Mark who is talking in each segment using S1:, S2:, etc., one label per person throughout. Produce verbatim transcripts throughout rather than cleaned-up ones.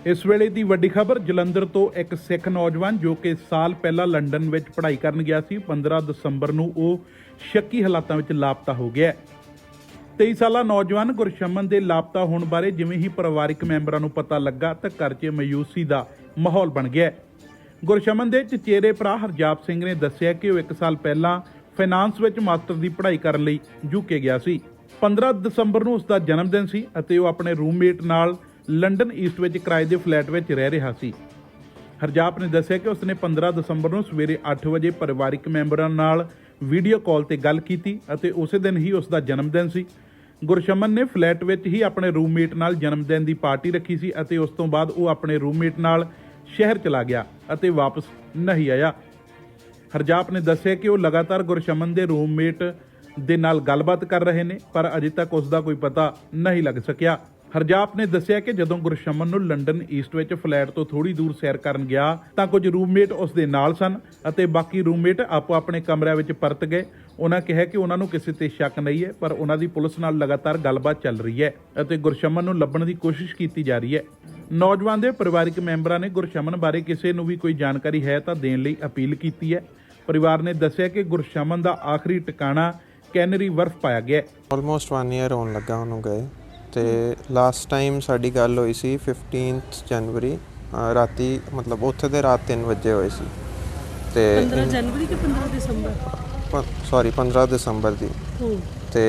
S1: इस वेले की वड्डी खबर जलंधर तो एक सिख नौजवान जो कि साल पहला लंडन में पढ़ाई करन गया सी पंद्रह दसंबर नूं वो शक्की हालातां विच लापता हो गया। तेईस साला नौजवान गुरशमन के लापता होने बारे जिवें ही परिवारिक मैंबरां नूं पता लगा तो घर च मायूसी का माहौल बन गया। गुरशमन के चचेरे भरा हरजाप सिंह ने दस्सिया कि वह एक साल पहला फाइनांस विच मास्टर की पढ़ाई करन लई यूके गया सी। पंद्रह दसंबर नूं उसका जन्मदिन सी अते वह अपने रूममेट नाल लंडन ईस्ट विच किराए के फ्लैट विच रह रहा सी। हरजाप ने दस्सिया कि उसने पंद्रह दसंबर नूं सवेरे अठ बजे परिवारिक मैंबरां नाल वीडियो कॉल ते गल कीती अते उस दिन ही उसका जन्मदिन सी। गुरशमन ने फ्लैट विच ही अपने रूममेट नाल जन्मदिन की पार्टी रखी सी अते उस तो बाद वो अपने रूममेट नाल शहर चला गया अते वापस नहीं आया। हरजाप ने दस्सिया कि वो लगातार गुरशमन के रूममेट दे नाल गलबात कर रहे ने पर अजे तक उसका कोई पता नहीं लग सकिया। हरजाप ने दस्सिया कि जदों गुरशमन नूं लंडन ईस्ट विच फ्लैट तो थोड़ी दूर सैर करन गया तां कुछ रूममेट उस दे नाल सन अते बाकी रूममेट आपो अपने कमरिਆਂ विच परत गए। उन्हां कहा कि उन्हां नूं किसी ते शक नहीं है पर उन्हां दी पुलिस नाल लगातार गलबात चल रही है अते गुरशमन नूं लभण दी कोशिश कीती जा रही है। नौजवान दे परिवारिक मैंबरां ने गुरशमन बारे किसी नूं भी कोई जानकारी है तां देण लई अपील कीती है। परिवार ने दस्सिया कि गुरशमन दा आखिरी ठिकाना कैनरी वर्फ पाया गया।
S2: ऑलमोस्ट वन ईयर होने लगा उन्होंने गए तो लास्ट टाइम साड़ी गल हुई सी फिफ्टीनथ जनवरी राती मतलब उत्थे दे रात तीन बजे हुई सी ते
S3: पंद्रह जनवरी के पंद्रह दिसंबर
S2: सॉरी पंद्रह दिसंबर दी ते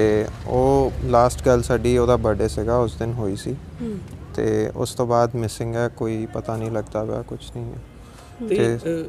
S2: ओ लास्ट गल साड़ी ओदा बर्थडे सीगा उस दिन हुई सी ते उस तो बाद मिसिंग है कोई पता नहीं लगता पिया कुछ नहीं है ते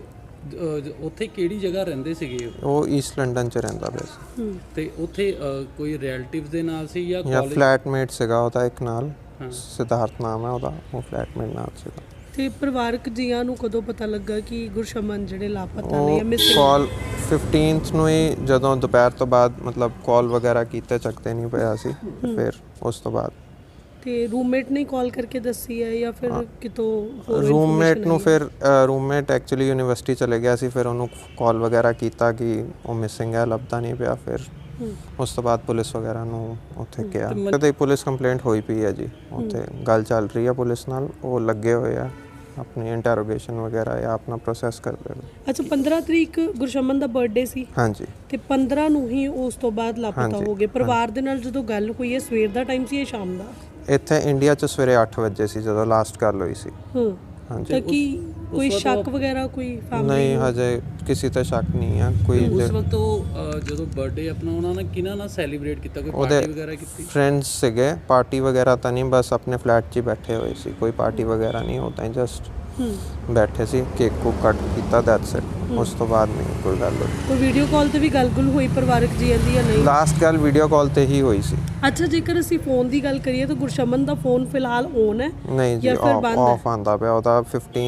S4: ਉੱਥੇ ਕਿਹੜੀ ਜਗ੍ਹਾ ਰਹਿੰਦੇ ਸੀਗੇ
S2: ਉਹ ਈਸਟ ਲੰਡਨ ਚ ਰਹਿੰਦਾ ਪਿਆ ਸੀ
S4: ਤੇ ਉੱਥੇ ਕੋਈ ਰਿਲੇਟਿਵਸ ਦੇ ਨਾਲ ਸੀ ਜਾਂ
S2: ਜਾਂ ਫਲੈਟਮੇਟ ਸੀਗਾ ਉਹਦਾ ਇੱਕ ਨਾਲ ਸਿਧਾਰਥ ਨਾਮ ਹੈ ਉਹਦਾ ਉਹ ਫਲੈਟਮੇਟ ਨਾਲ ਸੀਗਾ।
S3: ਤੇ ਪਰਿਵਾਰਕ ਜੀਆਂ ਨੂੰ ਕਦੋਂ ਪਤਾ ਲੱਗਾ ਕਿ ਗੁਰਸ਼ਮਨ ਜਿਹੜੇ ਲਾਪਤਾ ਨੇ ਜਾਂ ਮਿਸਿੰਗ
S2: ਕਾਲ ਫਿਫਟੀਨਥ ਨੂੰ ਹੀ ਜਦੋਂ ਦੁਪਹਿਰ ਤੋਂ ਬਾਅਦ ਮਤਲਬ ਕਾਲ ਵਗੈਰਾ ਕੀਤੇ ਚੱਕਦੇ ਨਹੀਂ ਪਿਆ ਸੀ ਫਿਰ ਉਸ ਤੋਂ ਬਾਅਦ
S3: ਤੇ ਰੂਮਮੇਟ ਨੇ ਕਾਲ ਕਰਕੇ ਦੱਸੀ ਹੈ ਜਾਂ ਫਿਰ ਕਿਤੋਂ ਹੋਰ
S2: ਰੂਮਮੇਟ ਨੂੰ ਫਿਰ ਰੂਮਮੇਟ ਐਕਚੁਅਲੀ ਯੂਨੀਵਰਸਿਟੀ ਚਲੇ ਗਿਆ ਸੀ ਫਿਰ ਉਹਨੂੰ ਕਾਲ ਵਗੈਰਾ ਕੀਤਾ ਕਿ ਉਹ ਮਿਸਿੰਗ ਹੈ ਲੱਭਦਾ ਨਹੀਂ ਪਿਆ ਫਿਰ ਉਸ ਤੋਂ ਬਾਅਦ ਪੁਲਿਸ ਵਗੈਰਾ ਨੂੰ ਉੱਥੇ ਗਿਆ ਤੇ ਪੁਲਿਸ ਕੰਪਲੇਂਟ ਹੋਈ ਪਈ ਹੈ ਜੀ ਉੱਥੇ ਗੱਲ ਚੱਲ ਰਹੀ ਹੈ ਪੁਲਿਸ ਨਾਲ ਉਹ ਲੱਗੇ ਹੋਏ ਆ ਆਪਣੀ ਇੰਟਰੋਗੇਸ਼ਨ ਵਗੈਰਾ ਜਾਂ ਆਪਣਾ ਪ੍ਰੋਸੈਸ ਕਰਦੇ ਨੇ।
S3: ਅੱਛਾ ਪੰਦਰਾਂ ਤਰੀਕ ਗੁਰਸ਼ਮਨ ਦਾ ਬਰਥਡੇ ਸੀ
S2: ਹਾਂਜੀ ਤੇ
S3: ਪੰਦਰਾਂ ਨੂੰ ਹੀ ਉਸ ਤੋਂ ਬਾਅਦ ਲਾਪਤਾ ਹੋ ਗਏ। ਪਰਿਵਾਰ ਦੇ ਨਾਲ ਜਦੋਂ ਗੱਲ ਹੋਈ ਹੈ ਸਵੇਰ ਦਾ ਟਾਈਮ ਸੀ ਜਾਂ ਸ਼ਾਮ ਦਾ?
S2: ਇੱਥੇ ਇੰਡੀਆ 'ਚ ਸਵੇਰੇ ਅੱਠ ਵਜੇ ਸੀ ਜਦੋਂ ਲਾਸਟ ਗੱਲ ਹੋਈ ਸੀ।
S3: ਹਾਂ
S2: ਹਾਂਜੀ
S3: ਤਾਂ ਕੀ ਕੋਈ ਸ਼ੱਕ ਵਗੈਰਾ ਕੋਈ ਫੈਮਿਲੀ
S2: ਨਹੀਂ ਹਜੇ ਕਿਸੇ ਤੇ ਸ਼ੱਕ ਨਹੀਂ ਹੈ ਕੋਈ।
S4: ਉਸ ਵਕਤ ਉਹ ਜਦੋਂ ਬਰਥਡੇ ਆਪਣਾ ਉਹਨਾਂ ਨੇ ਕਿਹਨਾਂ ਨਾਲ ਸੈਲੀਬ੍ਰੇਟ ਕੀਤਾ ਕੋਈ ਪਾਰਟੀ ਵਗੈਰਾ ਕੀਤੀ?
S2: ਫਰੈਂਡਸ ਸੀਗੇ ਪਾਰਟੀ ਵਗੈਰਾ ਤਾਂ ਨਹੀਂ ਬਸ ਆਪਣੇ ਫਲੈਟ 'ਚ ਹੀ ਬੈਠੇ ਹੋਏ ਸੀ ਕੋਈ ਪਾਰਟੀ ਵਗੈਰਾ ਨਹੀਂ ਉਹ ਤਾਂ ਜਸਟ ਬੈਠੇ ਸੀ ਕੇਕ ਕੋ ਕੱਟ ਕੀਤਾ ਦੈਟਸ ਇਟ ਉਸ ਤੋਂ ਬਾਅਦ ਨਹੀਂ ਕੋਈ ਗੱਲ ਹੋਈ।
S3: ਕੋਈ ਵੀਡੀਓ ਕਾਲ ਤੇ ਵੀ ਗੱਲ-ਗੁਲ ਹੋਈ ਪਰਿਵਾਰਕ ਜੀਆਂ ਦੀ ਜਾਂ ਨਹੀਂ?
S2: ਲਾਸਟ ਗੱਲ ਵੀਡੀਓ ਕਾਲ ਤੇ ਹੀ ਹੋਈ ਸੀ।
S3: ਅੱਛਾ ਜੇਕਰ ਅਸੀਂ ਫੋਨ ਦੀ ਗੱਲ ਕਰੀਏ ਤਾਂ ਗੁਰਸ਼ਮਨ ਦਾ ਫੋਨ ਫਿਲਹਾਲ ਔਨ ਹੈ
S2: ਨਹੀਂ ਜੀ ਆਫ ਆਂਦਾ ਪਿਆ ਉਹਦਾ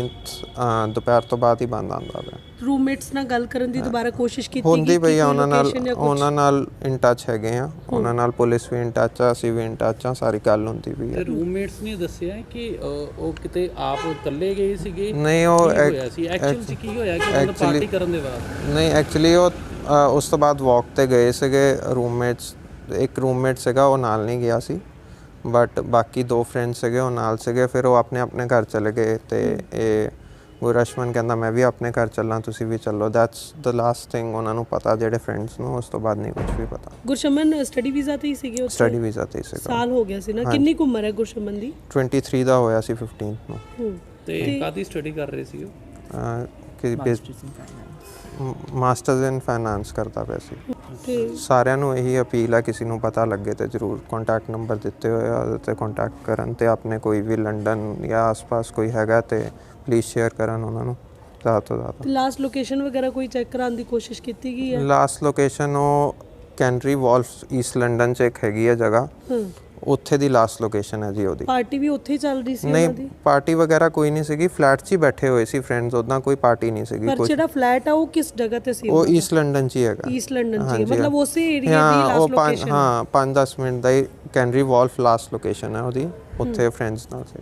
S2: ਫਿਫਟੀਨਥ ਦੁਪਹਿਰ ਤੋਂ ਬਾਅਦ ਹੀ ਬੰਦ ਆਂਦਾ ਪਿਆ।
S3: ਰੂਮਮੇਟਸ ਨਾਲ ਗੱਲ ਕਰਨ ਦੀ ਦੁਬਾਰਾ ਕੋਸ਼ਿਸ਼ ਕੀਤੀ
S2: ਹੁੰਦੀ ਪਈ ਆ ਉਹਨਾਂ ਨਾਲ ਉਹਨਾਂ ਨਾਲ ਇਨ ਟੱਚ ਹੈਗੇ ਆ ਉਹਨਾਂ ਨਾਲ ਪੁਲਿਸ ਵੀ ਇਨ ਟੱਚ ਆ ਅਸੀਂ ਵੀ ਇਨ ਟੱਚ ਆ ਸਾਰੀ ਗੱਲ ਹੁੰਦੀ ਪਈ ਆ।
S4: ਰੂਮਮੇਟਸ ਨੇ ਦੱਸਿਆ ਕਿ ਉਹ ਕਿਤੇ ਆਪ ਇਕੱਲੇ ਗਏ ਸੀਗੇ
S2: ਨਹੀਂ ਉਹ
S4: ਹੋਇਆ ਸੀ ਐਕਚੁਅਲੀ ਚ ਕੀ ਹੋਇਆ ਕਿ ਉਹਨਾਂ ਪਾਰਟੀ ਕਰਨ ਦੇ ਬਾਅਦ
S2: ਨਹੀਂ ਐਕਚੁਅਲੀ ਉਹ ਉਸ ਤੋਂ ਬਾਅਦ ਵਾਕ ਤੇ ਗਏ ਸੀਗੇ ਰੂਮਮੇਟਸ ਇੱਕ ਰੂਮਮੇਟ ਸੀਗਾ ਉਹ ਨਾਲ ਨਹੀਂ ਗਿਆ ਸੀ ਬਟ ਬਾਕੀ ਦੋ ਫਰੈਂਡ ਸੀਗੇ ਉਹ ਨਾਲ ਸੀਗੇ ਫਿਰ ਉਹ ਆਪਣੇ ਆਪਣੇ ਘਰ ਚਲੇ ਗਏ ਤੇ ਇਹ ਗੁਰਸ਼ਮਨ ਕਹਿੰਦਾ ਮੈਂ ਵੀ ਆਪਣੇ ਘਰ ਚੱਲਾਂ ਤੁਸੀਂ ਵੀ ਚੱਲੋ ਦੈਟਸ ਦ ਲਾਸਟ ਥਿੰਗ ਉਹਨਾਂ ਨੂੰ ਪਤਾ ਜਿਹੜੇ ਫਰੈਂਡਸ ਨੂੰ ਉਸ ਤੋਂ ਬਾਅਦ ਨਹੀਂ ਕੁਝ ਵੀ ਪਤਾ।
S3: ਗੁਰਸ਼ਮਨ ਸਟੱਡੀ ਵੀਜ਼ਾ ਤੇ ਹੀ ਸੀਗੇ ਉੱਥੇ?
S2: ਸਟੱਡੀ ਵੀਜ਼ਾ ਤੇ ਹੀ ਸੀਗਾ।
S3: ਸਾਲ ਹੋ ਗਿਆ ਸੀ ਨਾ ਕਿੰਨੀ ਕੁ ਉਮਰ ਹੈ ਗੁਰਸ਼ਮਨ ਦੀ?
S2: तेईस ਦਾ ਹੋਇਆ ਸੀ ਫਿਫਟੀਨਥ ਨੂੰ।
S4: ਤੇ ਕਾਦੀ ਸਟੱਡੀ ਕਰ ਰਹੇ ਸੀ ਉਹ?
S2: ਕਿ ਮਾਸਟਰਸ ਇਨ ਫਾਈਨਾਂਸ ਕਰਦਾ ਪਿਆ ਸੀ। ਸਾਰਿਆਂ ਨੂੰ ਇਹੀ ਅਪੀਲ ਹੈ ਕਿਸੇ ਨੂੰ ਪਤਾ ਲੱਗੇ ਤੇ ਜ਼ਰੂਰ ਕੰਟੈਕਟ ਨੰਬਰ ਦਿੱਤੇ ਹੋਏ ਆ ਉਹਦੇ ਤੇ ਕੰਟੈਕਟ ਕਰਨ ਤੇ ਆਪਣੇ ਕੋਈ ਵੀ ਲੰਡਨ ਜਾਂ ਆਸ-ਪਾਸ ਕੋਈ ਹੈਗਾ ਤੇ ਪਲੀਜ਼ ਸ਼ੇਅਰ ਕਰਨ ਉਹਨਾਂ ਨੂੰ ਜ਼ਿਆਦਾ ਤੋਂ ਜ਼ਿਆਦਾ।
S3: ਲਾਸਟ ਲੋਕੇਸ਼ਨ ਵਗੈਰਾ ਕੋਈ ਚੈੱਕ ਕਰਾਉਣ ਦੀ ਕੋਸ਼ਿਸ਼ ਕੀਤੀ ਗਈ ਹੈ?
S2: ਲਾਸਟ ਲੋਕੇਸ਼ਨ ਉਹ ਕੈਨਰੀ ਵਾਲਫ ਈਸਟ ਲੰਡਨ 'ਚ ਇੱਕ ਹੈਗੀ ਹੈ ਜਗ੍ਹਾ ਉੱਥੇ ਦੀ ਲਾਸਟ ਲੋਕੇਸ਼ਨ ਹੈ ਜੀ ਉਹਦੀ।
S3: ਪਾਰਟੀ ਵੀ ਉੱਥੇ ਹੀ ਚੱਲ ਰਹੀ ਸੀ ਉਹਨਾਂ ਦੀ?
S2: ਨਹੀਂ ਪਾਰਟੀ ਵਗੈਰਾ ਕੋਈ ਨਹੀਂ ਸੀਗੀ ਫਲੈਟ 'ਚ ਹੀ ਬੈਠੇ ਹੋਏ ਸੀ ਫਰੈਂਡਸ ਉਦਾਂ ਕੋਈ ਪਾਰਟੀ ਨਹੀਂ ਸੀਗੀ।
S3: ਪਰ ਜਿਹੜਾ ਫਲੈਟ ਆ ਉਹ ਕਿਸ ਜਗ੍ਹਾ ਤੇ ਸੀ?
S2: ਉਹ ਈਸਟ ਲੰਡਨ 'ਚ ਹੀ ਹੈਗਾ।
S3: ਈਸਟ ਲੰਡਨ 'ਚ ਮਤਲਬ ਉਸੇ ਏਰੀਆ ਦੀ ਲਾਸਟ ਲੋਕੇਸ਼ਨ?
S2: ਹਾਂ ਪੰਜ ਦਸ ਮਿੰਟ ਦਾ ਹੀ ਕੈਨਰੀ ਵਾਲਫ ਲਾਸਟ ਲੋਕੇਸ਼ਨ ਹੈ ਉਹਦੀ ਉੱਥੇ ਫਰੈਂਡਸ ਨਾਲ ਸੀ।